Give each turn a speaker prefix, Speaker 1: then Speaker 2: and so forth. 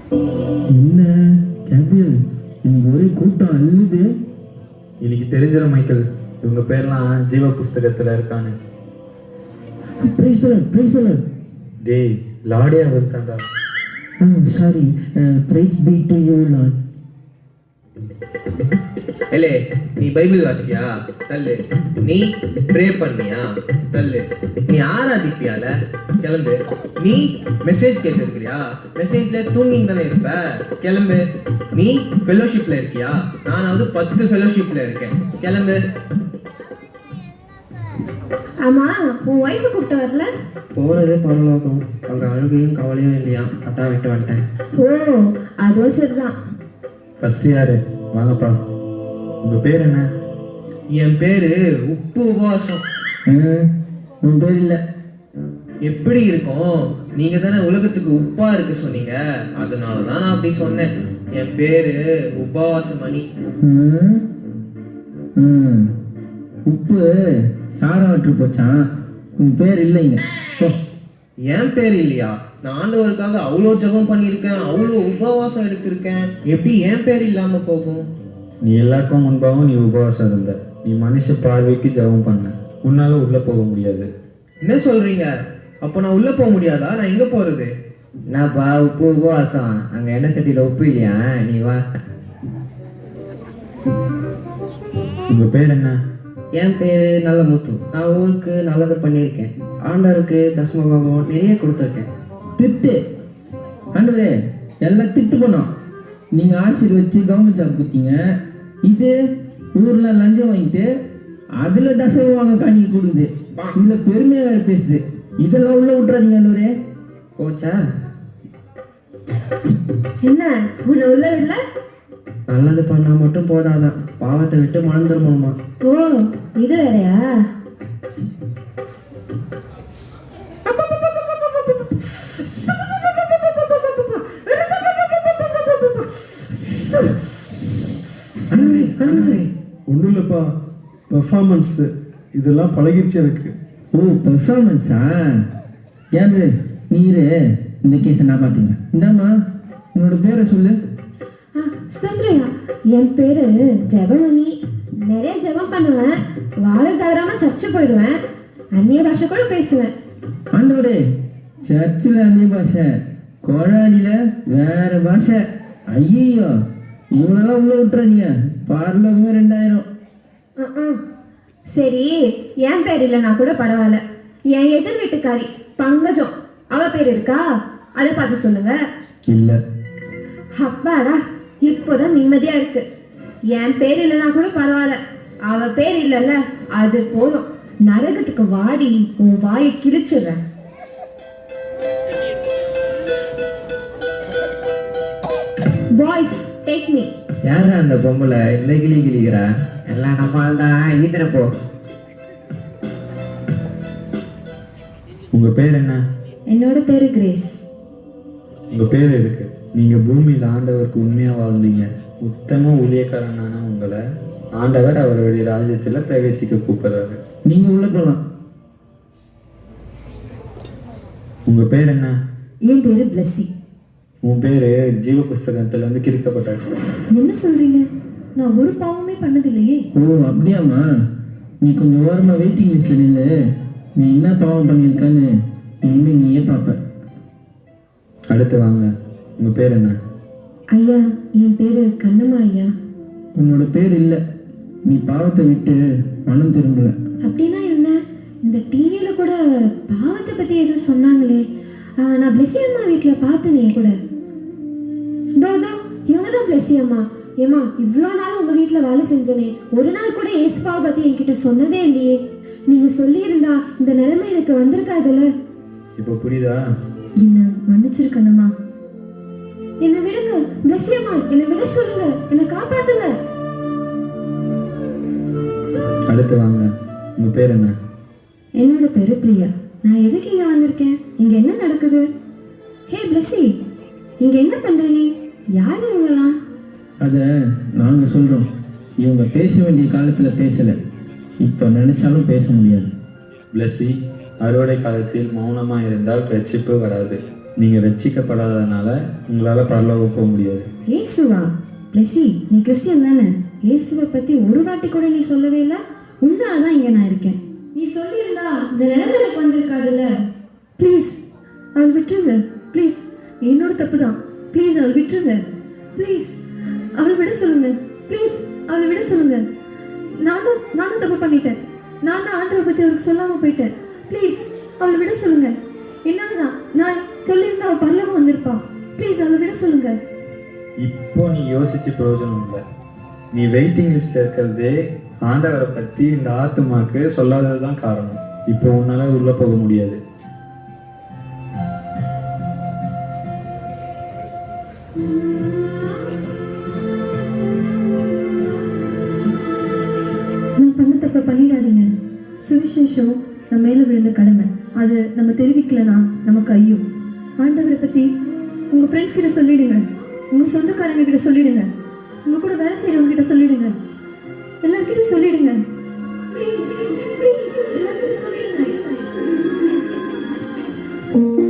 Speaker 1: என்ன கேபிள், இங்க ஒரே கூட்டம் அள்ளுது.
Speaker 2: இன்னைக்கு தெரிஞ்சிடும் மைக்கேல், இவங்க பேர்லாம் ஜீவ புஸ்தகத்துல இருக்கான்னு. டேய், லாடே அவர் தாண்டா.
Speaker 1: Sorry, praise be to you lord.
Speaker 3: ஏலே, நீ பைபிள் வாசியா? தள்ளு. நீ ப்ரே பண்ணியா? தள்ளு. நீ ஆராதிப்பியால? கிளம்பு. நீ மெசேஜ் கேட்டிருக்கிறியா? மெசேஜ்ல தூங்கின்னு தானே இருப்ப? கிளம்பு. நீ ஃபெலோஷிப்ல இருக்கியா? நானாவது 10 ஃபெலோஷிப்ல இருக்கேன். கிளம்பு.
Speaker 4: ஆமா, உன் ஒய்ஃபை கூப்பிட்டு வரல?
Speaker 5: போகிறது பரலோகம், அங்கே அழுகையும் கவலையும் இல்லையா, அதான் விட்டு வந்துட்டேன்.
Speaker 4: ஓ, அதுவும் சரிதான்.
Speaker 2: ஃபர்ஸ்ட் யாரு? வாங்கப்பா. உங்க பேர் என்ன?
Speaker 3: என் பேரு உப்பு உபவாசம்.
Speaker 1: உன் பேர் இல்லை.
Speaker 3: எப்படி இருக்கும்? நீங்க தானே உலகத்துக்கு உப்பா இருக்கு சொன்னீங்க, அதனாலதான் நான் அப்படி சொன்னேன். என் பேரு உபவாச மணி.
Speaker 1: உப்பு சாராவற்று போச்சான். உன் பேர் இல்லைங்க.
Speaker 3: என் பேர் இல்லையா? நான் ஆண்டவருக்காக அவ்வளோ ஜெபம் பண்ணியிருக்கேன், அவ்வளோ உபவாசம் எடுத்திருக்கேன். எப்படி என் பேர் இல்லாம போகும்?
Speaker 2: நீ எல்லாருக்கும் முன்பாகவும் நீ உபவாசம் இருந்த. நீ மனுஷ பார்வைக்கு ஜெபம் பண்ண. உன்னால உள்ள போக முடியாது.
Speaker 3: என்ன சொல்றீங்க? அப்போ நான் உள்ள போக முடியாதா? நான் எங்க போறது?
Speaker 5: என்னப்பா உப்பு உபவாசம்? அங்கே என்ன சட்டியில் உப்பு இல்லையா? நீ வா.
Speaker 2: உங்க பேர் என்ன?
Speaker 5: என் பேர் நல்ல முத்து. நான் ஊருக்கு நல்லது பண்ணியிருக்கேன். ஆண்டவருக்கு தசமபாகம் நிறைய கொடுத்துருக்கேன்.
Speaker 1: திட்டு ஆண்டவரே, எல்லாம் திட்டு பண்ணோம். நீங்கள் ஆசீர்வச்சு கவர்மெண்ட் ஜாப் கொடுத்தீங்க. இது ஊரில் லஞ்சம் வாங்கிட்டு அதில் தசமபாகம் காணிக்க கொடுக்குது. இதில் பெருமையாக வேறு பேசுது. இதெல்லாம் உள்ள விட்டுறாதீங்க ஆண்டவரே.
Speaker 5: போச்சா?
Speaker 4: என்ன உன்னை உள்ள இல்ல?
Speaker 5: நல்லது பண்ணால் மட்டும் போதாதான், பாவத்தை விட்டு மனம் திரும்பணுமா?
Speaker 4: ஓ, இது வேறையா?
Speaker 6: ஒன்றும் இல்லைப்பா, பெர்ஃபார்மன்ஸு இதெல்லாம் பழகிருச்சு எனக்கு.
Speaker 1: ஓ, பெர்ஃபார்மன்ஸா? ஏன் நீரு இந்த கேஸை நான் பார்த்துங்க. இந்தாம்மா, உன்னோட பேரை சொல்லு.
Speaker 4: ஸ்தோத்ரியா, என் பேரு ஜெபமணி. நிறைய ஜெபம் பண்ணுவேன், வாரம் தவறாம சர்ச்சு போயிடுவேன், அந்நிய பாஷை கூட பேசுவேன்.
Speaker 1: ஆண்டவரே, சர்ச்சில் அந்நிய பாஷை, கோழாடியில் வேற பாஷை. ஐயோ, இவனெல்லாம் உள்ள விட்டுறாதீங்க. பார்லோகமே 2000.
Speaker 4: சரி, என் பேர் இல்லைனா கூட பரவாயில்ல. என் எதிர் வீட்டுக்காரி பங்கஜம், அவ பேர் இருக்கா? அதை பார்த்து சொல்லுங்க.
Speaker 2: இல்லை.
Speaker 4: அப்பாடா, இப்போதான் நிம்மதியா இருக்கு. என் பேர் இல்லைனா கூட பரவாயில்ல, அவ பேர் இல்லைல்ல, அது போதும். நரகத்துக்கு வாடி உன் வாயை கிழிச்சிடுறேன். Boys, take me.
Speaker 5: யாரா அந்த பொம்பளை இந்த கிளி கிளிக்கிறா? எல்லாம் நம்மால் தான் ஈத்தினப்போ.
Speaker 2: உங்க பேர் என்ன?
Speaker 4: என்னோட பேரு கிரேஸ்.
Speaker 2: உங்க பேர் இருக்கு. நீங்க பூமியில் ஆண்டவருக்கு உண்மையா வாழ்ந்தீங்க. உத்தம ஊழியக்காரனான உங்களை ஆண்டவர் அவருடைய ராஜ்யத்துல பிரவேசிக்க கூப்பிடுறாரு.
Speaker 1: நீங்கள் உள்ள போகலாம்.
Speaker 2: உங்க பேர் என்ன?
Speaker 4: என் பேரு பிளஸ்ஸி.
Speaker 2: உன் பேரு ஜீவ புஸ்தகத்துல இருந்து கிறுக்கப்பட்டாச்சு.
Speaker 4: என்ன சொல்றீங்க? நான் ஒரு பாவமே பண்ணதில்லையே.
Speaker 1: ஓ, அப்படியாம்மா? நீ கொஞ்சம் ஓரமாக வெயிட்டிங் லிஸ்ட்டில் நின்று நீ என்ன பாவம் பண்ணியிருக்கான்னு இனிமேல் நீயே பார்ப்ப.
Speaker 2: அடுத்து வாங்க. உங்க பேர் என்ன?
Speaker 4: ஐயா, என் பேரு கண்ணம்மா ஐயா.
Speaker 1: உன்னோட பேர் இல்லை. நீ பாவத்தை விட்டு மனம் திரும்பல.
Speaker 4: அப்படின்னா என்ன? இந்த டிவியில கூட பாவத்தை பத்தி ஏதோ சொன்னாங்களே. நான் பிளெஸி அம்மா வீட்டில் பார்த்தனே கூட. தோ இவங்க தான் பிளெஸி அம்மா. ஏமா, இவ்வளோ நாள் உங்க வீட்டில் வேலை செஞ்சனே, ஒரு நாள் கூட ஏசுபாவை பத்தி என்கிட்ட சொன்னதே இல்லையே. நீங்க சொல்லியிருந்தா இந்த நிலைமை எனக்கு வந்திருக்காதுல்ல.
Speaker 2: இப்போ புரியுதா?
Speaker 4: என்ன மன்னிச்சிருக்கணுமா? என்னை விடுங்க பிளெஸி அம்மா, என்னை விட சொல்லுங்க, என்னை காப்பாத்துங்க.
Speaker 2: அடுத்து வாங்க. உங்க பேர் என்ன?
Speaker 4: என்னோட பேரு பிரியா. நான் எதுக்கு இங்க வந்திருக்கேன்? இங்க என்ன நடக்குது? ஹே பிளெஸி, இங்க என்ன பண்ற நீ? யாரு இவங்கலாம்?
Speaker 1: அதை நாங்கள் சொல்கிறோம். இவங்க பேச வேண்டிய காலத்தில் பேசலை, இப்போ நினைச்சாலும் பேச முடியாது.
Speaker 2: பிளஸி, அறுவடை காலத்தில் மௌனமா இருந்தால் ரட்சிப்பு வராது. நீங்கள் ரட்சிக்கப்படாதனால உங்களால் பரலோகம் போக முடியாது.
Speaker 4: ஏசுவா? பிளஸி, நீ கிறிஸ்டியன் தானே? இயேசுவை பத்தி ஒரு வாட்டி கூட நீ சொல்லவே இல்லை. உன்னால தான் இங்க நான் இருக்கேன். நீ சொல்லியிருந்தா இந்த நிலைமை எனக்கு வந்திருக்காதுல்ல. ப்ளீஸ் அவள் விட்டுருங்க. ப்ளீஸ், என்னோட தப்பு தான். ப்ளீஸ் அவள் விட்டுருங்க. ப்ளீஸ் அவளை விட சொல்லுங்க. ப்ளீஸ் அவளை விட சொல்லுங்க. நானும் தப்பு பண்ணிட்டேன். நான் தான் ஆண்டவரை பத்தி அவருக்கு சொல்லாம போயிட்டேன். ப்ளீஸ் அவளை விட சொல்லுங்க. என்னாலதான் நான் சொல்லியிருந்தா அவள் பரலோகம் வந்திருப்பா. ப்ளீஸ் அவளை விட சொல்லுங்க.
Speaker 2: இப்போ நீ யோசிச்சு பிரயோஜனம் இல்லை. நீ வெயிட்டிங் லிஸ்ட் இருக்கிறதே ஆண்டவரை பற்றி இந்த ஆத்துமாக்கு சொல்லாதது தான் காரணம். இப்போ உன்னால் உள்ளே போக முடியாது.
Speaker 4: நான் பண்ண தப்ப பண்ணிடாதீங்க. சுவிசேஷம் நம்ம மேல விழுந்த கடமை. அது நம்ம தெரிவிக்கலனா நமக்கு ஐயோ. ஆண்டவரை பத்தி உங்க ஃப்ரெண்ட்ஸ் கிட்ட சொல்லிடுங்க. உங்க சொந்தக்காரங்க கிட்ட சொல்லிடுங்க. உங்க கூட வேலை செய்யறவங்க கிட்ட சொல்லிடுங்க. எல்லார்கிட்ட சொல்லிடுங்க. ப்ளீஸ் ப்ளீஸ் எல்லார்கிட்ட சொல்லிடுங்க.